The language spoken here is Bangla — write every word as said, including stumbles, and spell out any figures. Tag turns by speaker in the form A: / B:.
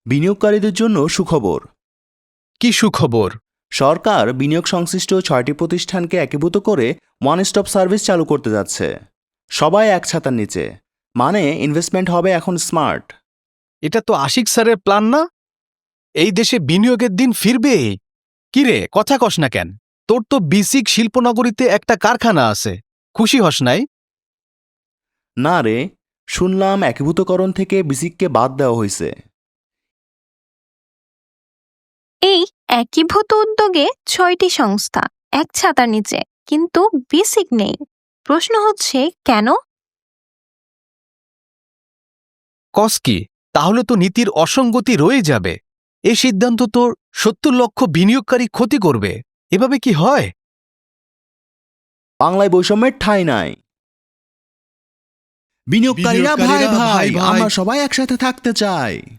A: বিনিয়োগকারীদের জন্য সুখবর।
B: কি সুখবর?
A: সরকার বিনিয়োগ সংশ্লিষ্ট ছয়টি প্রতিষ্ঠানকে একীভূত করে ওয়ান স্টপ সার্ভিস চালু করতে যাচ্ছে। সবাই এক ছাতার নিচে, মানে ইনভেস্টমেন্ট হবে এখন স্মার্ট।
B: এটা তো আশিক স্যারের প্ল্যান না? এই দেশে বিনিয়োগের দিন ফিরবে। কিরে, কথা কস না কেন? তোর তো বিসিক শিল্পনগরীতে একটা কারখানা আছে, খুশি হস নাই?
A: না রে, শুনলাম একীভূতকরণ থেকে বিসিককে বাদ দেওয়া হয়েছে।
C: এই একীভূত উদ্যোগে ছয়টি সংস্থা এক ছাতার নিচে, কিন্তু বিসিক নেই। প্রশ্ন হচ্ছে কেন?
B: কস কি? তাহলে তো নীতির অসঙ্গতি রয়ে যাবে। এই সিদ্ধান্ত তো সত্তর লক্ষ বিনিয়োগকারী ক্ষতি করবে। এভাবে কি হয়?
A: বাংলায় বৈষম্যের ঠাঁই নাই। বিনিয়োগকারীরা ভাই ভাই, আমরা সবাই একসাথে থাকতে চাই।